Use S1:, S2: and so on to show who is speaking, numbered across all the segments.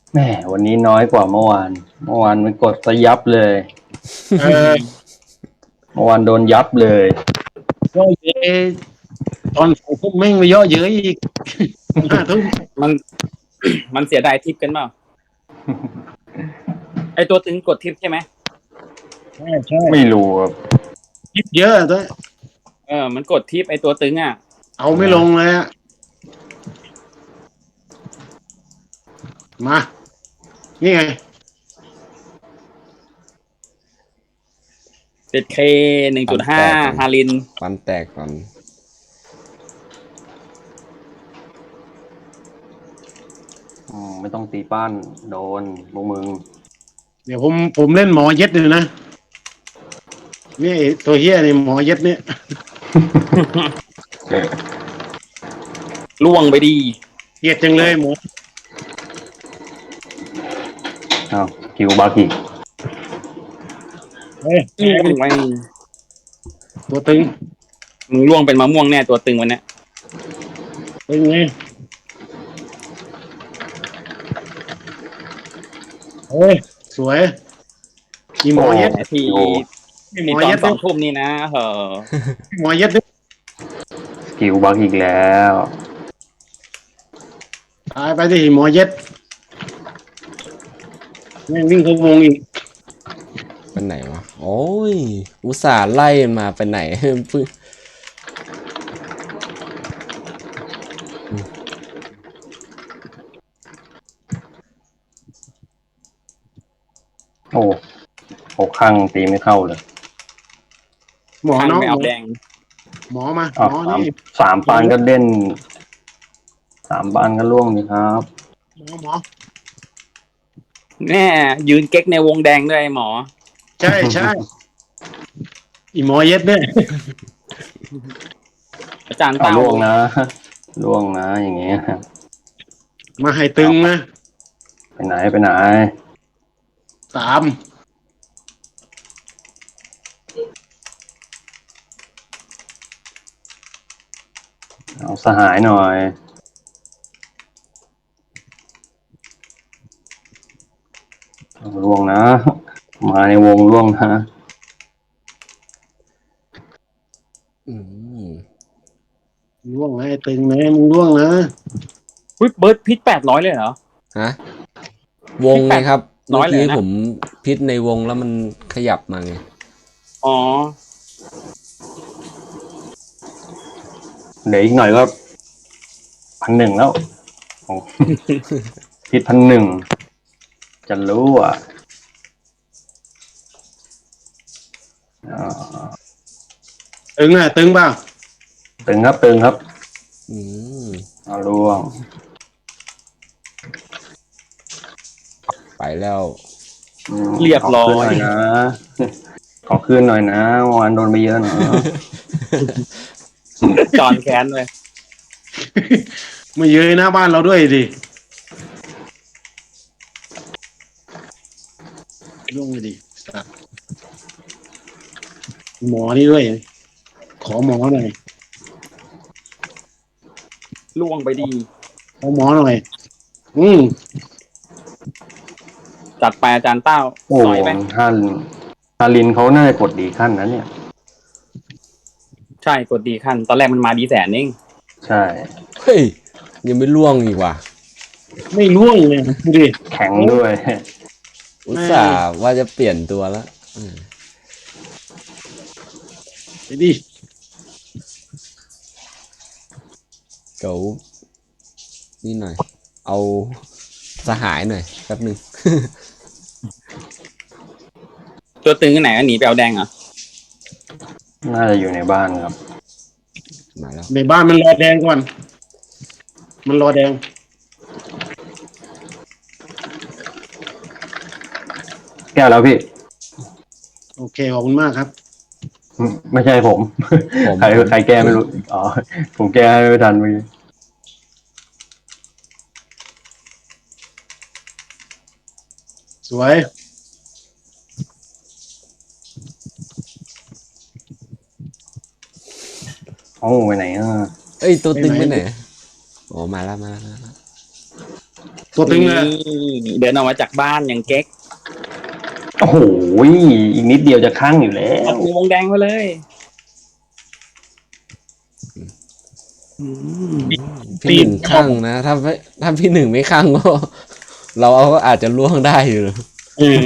S1: แหมวันนี้น้อยกว่าเมื่อวานมันกดซะยับเลย
S2: เออ
S1: เมื่อวานโดนยับเลย
S2: ย่อเยอะตอน2 ทุ่มแม่งไปย่อเยอะอีก5 ทุ่ม
S3: มันมันเสียดายทิปกันเปล่าไอตัวตึงกดทิปใช่ไหม
S2: ใช่
S1: ไม่รู้ครับ
S2: คิดเยอะด้วย
S3: มันกดทิปไอตัวตึงอ่ะ
S2: เอาไม่ลงเลยอะมานี่ไง
S3: 7K 1.5ฮาริน
S4: ฟันแตกก่อน
S1: ไม่ต้องตีป้านโดนพวกมึง
S2: เดี๋ยวผมเล่นหมอเย็ดเลยนะนี่ตัวเฮียนี่หมอเย็ดเนี่ย
S3: ล่วงไปดี
S2: เกลียดจังเลยหมอ
S1: อ้าวคิวบาร์กิก
S2: เฮ้ย
S3: ล่วงไป
S2: ตัวตึง
S3: มึงล่วงเป็นมะม่วงแน่ตัวตึงวันเนี้ย
S2: ตึงไงเฮ้ยสวยมีหมอเย็ด
S3: ที่
S2: มีหม
S3: ที่
S2: อ
S3: ตอ
S2: เย็
S3: น
S2: ด
S3: 2 ทุ่มนี่นะ
S2: หมอเย็ดด้วย
S1: คิวบาร์กิกแล้ว
S2: ตายไปที่หมอเย็ดแม่งวิ่งเข้าวงอีก
S4: เป็นไหนวะโอ้ยอุตส่าห์ไล่มาไปไหน พึ่ง
S1: โอ้หกข้างตีไม่เข้าเลย
S2: หมอ
S3: ข้าง
S2: เนาะ
S3: ไม่เอาแดง
S2: หมอมาห
S1: อ้าว
S2: มอนี่
S1: สามปานก็เล่น3 ปานก็ล่วงนี่ครับ
S2: หมอ
S3: แน่ยืนเก๊กในวงแดงด้วยหมอ
S2: ใช่ใช่อีหมอเย็ดเนี่ย
S3: อาจารย์
S1: เอา
S3: เต้า
S1: ล่วงนะล่วงนะอย่างเงี้ย
S2: มาให้ตึงนะ
S1: ไปไหนไปไหน
S2: 3
S1: เอาสหายหน่อยเอาล่วงนะ มาในวงล่วงนะ
S4: อืม
S2: ล่วงให้ตึงนะมึงล่วงนะ
S3: อุ๊ยเบิร์ดพิษ800เลยเหรอ
S4: ฮะวงไงครับ
S3: น้
S4: เมื่
S3: อ
S4: อย
S3: เลย
S4: กี้
S3: นะ
S4: ผมพิษในวงแล้วมันขยับมาไง
S3: อ๋อ
S1: เดี๋ยวอีกหน่อยก็1,100แล้วโอ้ ผิด1,100จะรู้อ่ะอ่า
S2: ตึงนะตึงเปล่า
S1: ตึงครับตึงครับ
S4: อืม
S1: เอาล่วง
S4: ไปแล้ว
S3: เรียบร้อย
S1: ขคืนหน่อยนะ ขอคืนหน่อยนะวันโดนไปเยอะนะ
S3: จอนแค้นเลย
S2: มาเยอะหน้าบ้านเราด้วยดิล่วงเลยดิสัตว์หมอนี่ด้วยขอหมอหน่อย
S3: ล่วงไปดี
S2: ขอหมอหน่อย
S3: จัดไปอาจารย์เต้า
S1: โอ้
S3: สอยไป
S1: ฮารินเขาน่าจะกดดีขั้นนั้นเนี่ย
S3: ใช่กดดีขั้นตอนแรกมันมาดีแสนเอง
S1: ใช่
S4: เฮ้ยยังไม่ล่วงอีกว่ะ
S2: ไม่ล่วงเลยดูดิ
S1: แข็งด้วย
S4: อุตส่าห์ว่าจะเปลี่ยนตัวแล้วอืม
S2: ไปดิ
S4: เก๋านี่หน่อย เอาสหายหน่อยแป๊บหนึ่ง
S3: ตัวตึงที่ไหนก็หนีไปเอาแดงเหรอ
S1: น่าจะอยู่ในบ้านครับ
S4: มาแล้ว
S2: ในบ้านมันรอแดงก่อนมันรอแดง
S1: แก้แล้วพี่
S2: โอเคขอบคุณมากครับ
S1: ไม่ใช่ผม
S4: ผม
S1: ใครแก้ไม่รู้ อ๋อ ผมแก้ไม่ทันเมื่อกี้
S2: สวย
S1: โอ้ไปไหนอ่ะ
S4: เอ้ยตัวตึงไปไหนอ๋อมาแล้ว
S2: ตัวตึงเลย
S3: นี่เดินออกมาจากบ้านอย่างเก๊ก
S1: โอ้โหอีกนิดเดียวจะข้างอยู่แล้
S3: ออ
S1: ว
S3: กในวงแดงไปเลยอืม
S4: พี่หนึ่งข้างนะถ้าพี่หนึ่งไม่ข้างก็ เราก็อาจจะล่วงได้อยู่
S2: เออ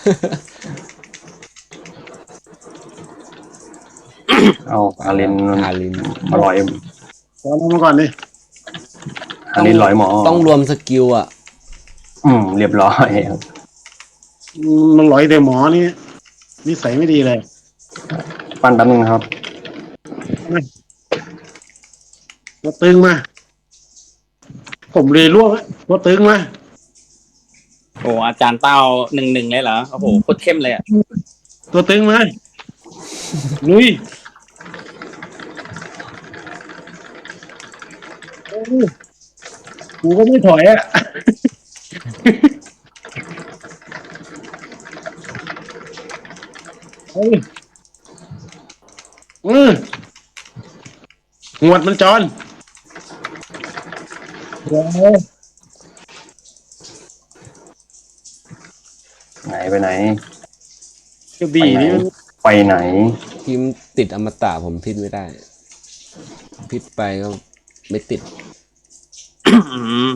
S1: เอาอาริน
S4: อาริน
S1: มาลอย
S2: ขอลงมาก่อนดิ
S1: อารินลอยหมอ
S4: ต้องรวมสกิลอ่ะ
S1: เรียบร้อยครับ
S2: มันหลอยแต่หมอนี่นิสัยไม่ดีเลย
S1: ปั้นแป๊บนึงครับ
S2: ตัวตึงมา ผมเลยล่วงแล้วตัวตึงมา
S3: โอ้อาจารย์เต้า1-1เลยเหรอโอ้โหโคตรเข้มเลยอ่ะ
S2: ตัวตึงมาลุยโอ้กูก็ไม่ถอยอ่ะ เฮ้ยหวดมันจอนโอ้โห
S1: ไหนไปไหน
S2: กระบี่นี่มัน
S1: ไปไหน
S4: ทีมติดอมตะผมพิษไม่ได้ พิษไปก็ไม่ติด
S3: อืม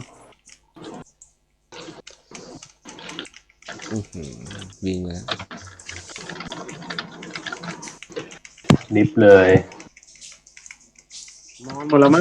S4: วิ่งแล้ว
S1: ดิฟเลย
S2: นอนหมดแล้วมั้ง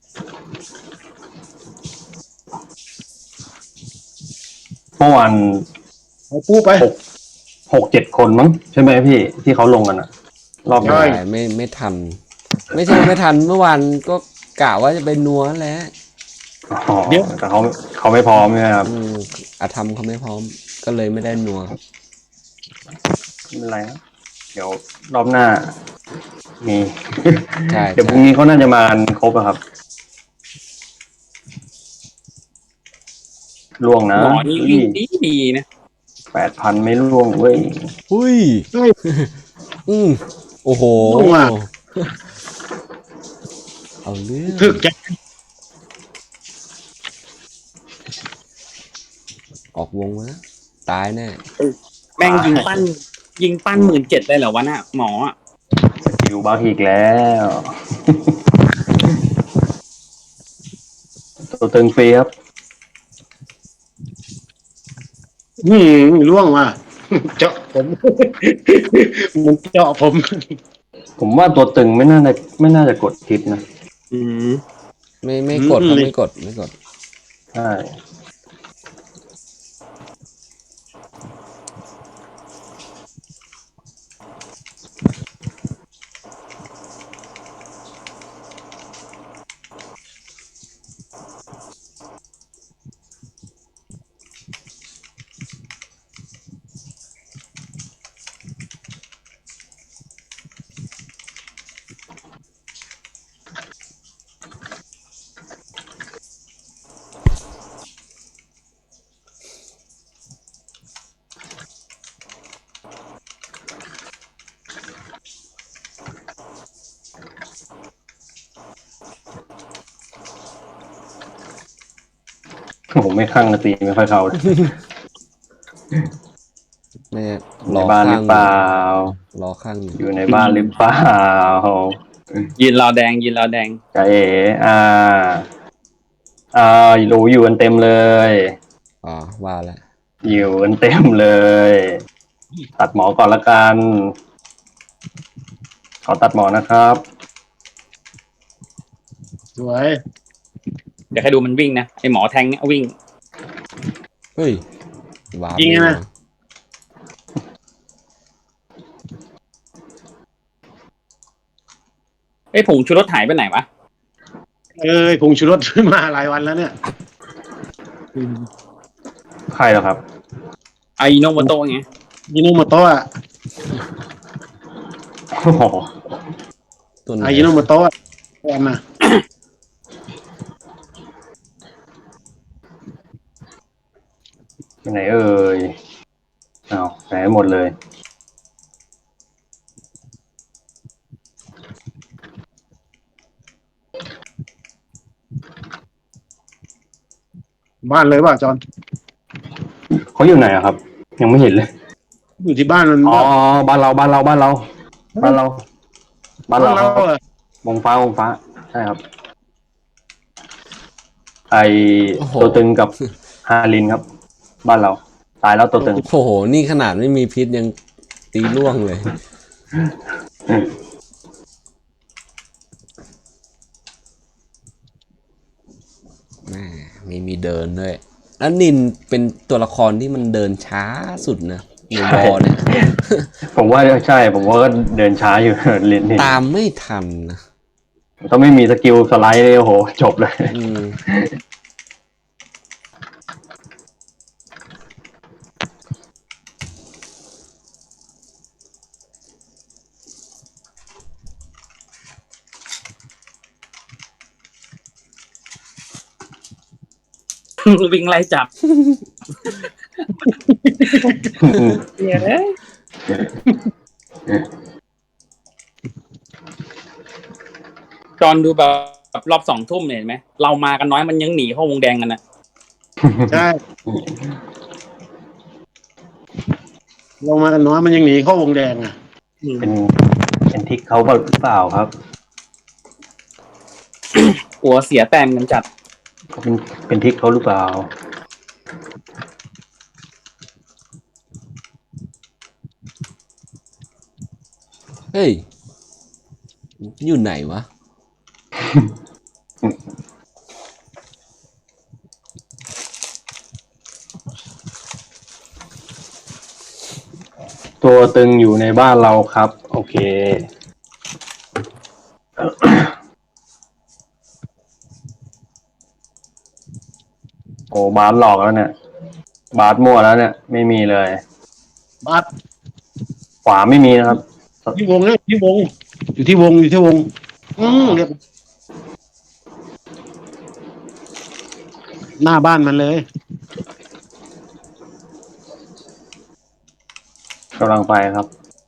S1: เมื่อวาน
S2: เอาปูไป
S1: 6-7 คนมั้งใช่ไหมพี่ที่เขาลงกันอะรอบ
S2: ใช่
S1: นี้
S4: ไม่ทัน ไม่ใช่ไม่ทันเมื่อวานก็กะว่าจะไปนัวแหล้ว
S1: อ๋อแต่เขาไม่พร้อมใช่ไหมครับ
S4: อาธรรมเขาไม่พร้อม ก็เลยไม่ได้นัว
S1: ไม่เป็นไรนะเดี๋ยวรอบหน้า มี
S4: ใช่
S1: เดี๋ยวพรุ่งนี้เขาน่าจะมากันครบอะครับล่วงนะ
S3: หมอนี่วิ่งดีนะ
S1: 8,000ไม่ล่วงเว้ย
S4: อุ้ย
S2: เฮ้ย
S4: โอ้โห
S2: นัว
S4: เอาเรื่อง
S2: ถึกแก
S4: ออกวงมาตายแน่
S3: แม่งยิงปั้น17,000เลยเหรอวะน่ะหมออะ
S1: สกิลบักอีกแล้ว ตัวตึงฟรีครับ
S2: ล่วงมา เจาะผม มันเจาะผม
S1: ผมว่าตัวตึงไม่น่าจะกดทิปนะ
S3: อืม
S4: ไม่กดครับไม่กด
S1: ใช่ ผมไม่ข้างตีไม่ค่อยเข้าเลย
S4: แม่
S1: ในบ้านหรือเปล่าร
S4: อข้างอยู่
S1: อยู่ในบ้านหรือเปล่า
S3: ยืนรอแดง
S1: ใจเอ๋รู้อยู่กันเต็มเลย
S4: อ๋อว่าแล้ว
S1: อยู่กันเต็มเลย ตัดหมอก่อนละกัน ขอตัดหมอนะครับ
S2: สวย
S3: เดี๋ยวให้ดูมันวิ่งนะไอหมอแทงเนี่ยวิ่ง
S4: เฮ้ยว้า
S2: จริงนะ
S3: ไอยผงชูรสหายไปไหนวะ
S2: ผงชูรส มาหลายวันแล้วเนี่ย
S1: ใครเหรอครับ
S3: ไอโนโมโตะไง
S2: ยิโนโมโตะ
S1: โอ้โห
S4: ตัวไหน
S2: ยิโนโมโตะแอนนะ
S1: ไหนเอ่ยอ้าวไหนหมดเลย
S2: มบ้านเลยป่ะจอน
S1: เขาอยู่ไหนอะครับ ยังไม่เห็นเลย
S2: อยู่ที่บ้านมัน
S1: อ๋อบ้านเราบ้านเราบ้านเราบ้านเราบ้านเราครับ
S2: เหรอ
S1: วงฟ้าวงฟ้าใช่ครับ ไอ
S4: โอ้โห
S1: ตัวตึงกับฮารินครับ บ้านเรา ตายแล้วตัวตึง
S4: โอ้โห นี่ขนาดไม่มีพิษยังตีล่วงเลย แม่มีเดินด้วย แล้วนินเป็นตัวละครที่มันเดินช้าสุดนะในบอเนี่ย
S1: ผมว่าใช่ ผมว่าก็เดินช้าอยู่ เล่นนี่
S4: ตามไม่ทันนะ
S1: ถ้าไม่มีสกิลสไลด์เลยโอ้โห จบเลย
S4: อืม
S3: วิ่งไล่จับเนี่ยเลยจอนดูแบบรอบ2 ทุ่มเห็นไหมเรามากันน้อยมันยังหนีเข้าวงแดงกันนะ
S2: ใช่ลงมากันน้อยมันยังหนีเข้าวงแดงอ่ะ
S1: เป็นทิกเขาหรือเปล่าครับ
S3: หัวเสียแต้มกันจัด
S1: เขาเป็นทิกเขาหรือเปล่า
S4: เฮ้ย อยู่ไหนวะ
S1: ตัวตึงอยู่ในบ้านเราครับ โอเค โอ้บาสหลอกแล้วเนี่ย บาสมั่วแล้วเนี่ย ไม่มีเลย
S2: บัส
S1: ขวาไม่มีนะครับ
S2: ที่วงเนี่ยที่วง อยู่ที่วงอยู่ที่วง เรียบหน้าบ้านมันเลย
S1: กำลังไปครับ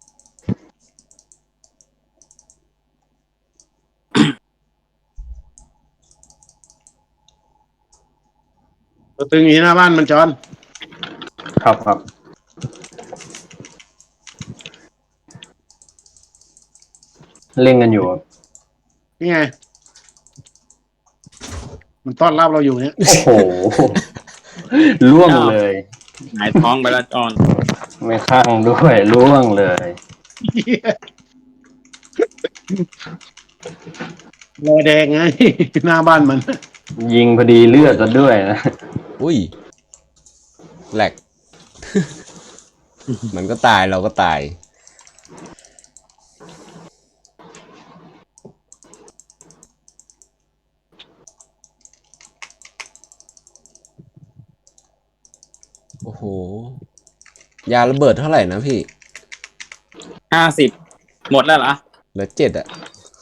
S2: ตัวตึงอยู่ที่หน้าบ้านมันจอน
S1: ครับครับ เล่นกันอยู่ครับ
S2: นี่ไง มันต้อนรับเราอยู่เนี่ย
S1: โอ้โห ล่วงเลย
S3: หงายท้องไปแล้วจอน
S1: ไม่ข้างด้วยล่วงเลย
S2: รอยแดงไง หน้าบ้านมัน
S1: ยิงพอดีเลือดซะด้วยนะ
S4: อุ้ยแหลก มันก็ตายเราก็ตาย โอ้โห ยาระเบิดเท่าไหร่นะพี่
S3: 50 หมดแล้วเหรอ
S4: เหลือ7อ่ะ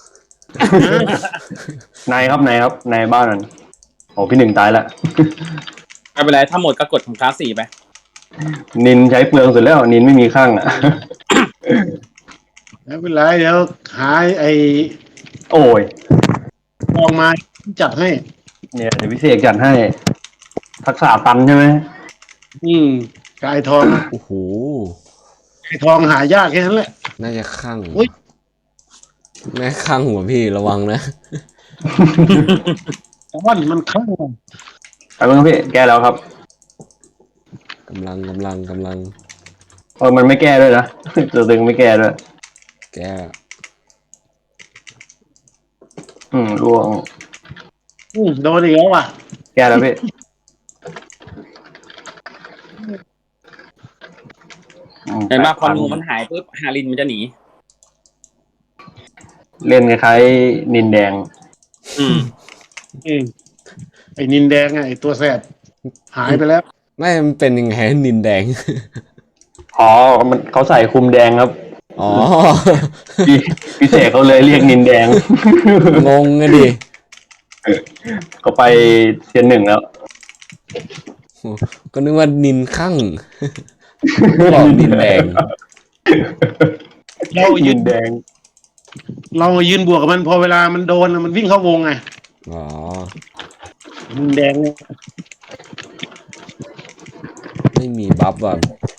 S1: นายครับนายครับนายบ้านนั้นโอ้พี่หนึ่งตายละ
S3: ไม่เป็นไรถ้าหมดก็กดของคลาส4ไป
S1: นินใช้เปลืองสุดแล้ว นินไม่มีข้างอ่ะ
S2: ไม่เป็นไรเดี๋ยวหาไอ้
S1: โอ้ย
S2: ทองมาจัดให้
S1: เนี่ยเดี๋ยวพิเศษจัดให้ ทักษะตันใช่ไหม
S2: กายทอง
S4: โอ้โห
S2: กายทองหายากแค่นั้นแหละ
S4: น่าจะข้าง
S2: อุ๊ย
S4: แม่ข้างหัวพี่ระวังนะ
S2: แต่ว่ามันข้าง
S1: ไปเมื่อพี่แก้แล้วครับ
S4: กำลัง
S1: มันไม่แก้ด้วยนะ ตัวตึงไม่แก้ด้วย
S4: แก
S1: ร่วง
S2: โดนอีกแล้วว่ะ
S1: แก้แล้วพี่
S3: เห็นป่ะพอนูมันหายปุ๊บฮารินมันจะหนี
S1: เล่นคล้ายๆนินแดง
S3: อืม
S2: ไอ้นินแดงไอ้ตัวแสบหายไปแล้ว
S4: ไม่มันเป็นยังไงนินแดง
S1: อ๋อเขาใส่คุมแดงครับ
S4: อ๋อ
S1: พี่เสกเขาเลยเรียกนินแดง
S4: งงไงดิ
S1: เขาไปเซียน 1แล้ว
S4: ก็นึกว่านินข้างบอกนินแดง
S2: เรายื
S1: นิ
S2: น
S1: นแดง
S2: เรายืนบวกกับมันพอเวลามันโดนมันวิ่งเข้าวงไง
S4: อ๋อ
S2: นินแดงเนี่ย
S4: ไม่มีบัฟว่ะ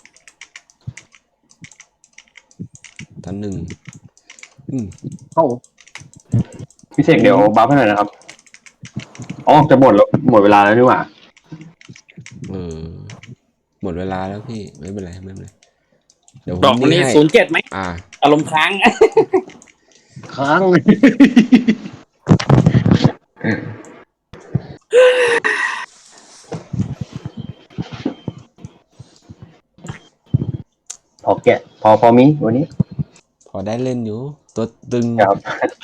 S4: ท่านหนึ่ง
S2: เข้า
S1: พี่เสกเดี๋ยวบัฟให้หน่อยนะครับอ๋อจะหมดแล้วหมดเวลาแล้วนี่หว่า
S4: เออหมดเวลาแล้วพี่ไม่เป็นไรไม่เป็นไรเดี๋ยวผ
S3: ดอก
S4: ม
S3: วันนี้
S4: ให้
S3: 07ไหม
S4: อ่า
S3: อารมณ์ค้าง
S2: ค้าง
S1: พอแกะพอมีวันนี้
S4: พอได้เล่นอยู่ตัวตึง
S1: ครับ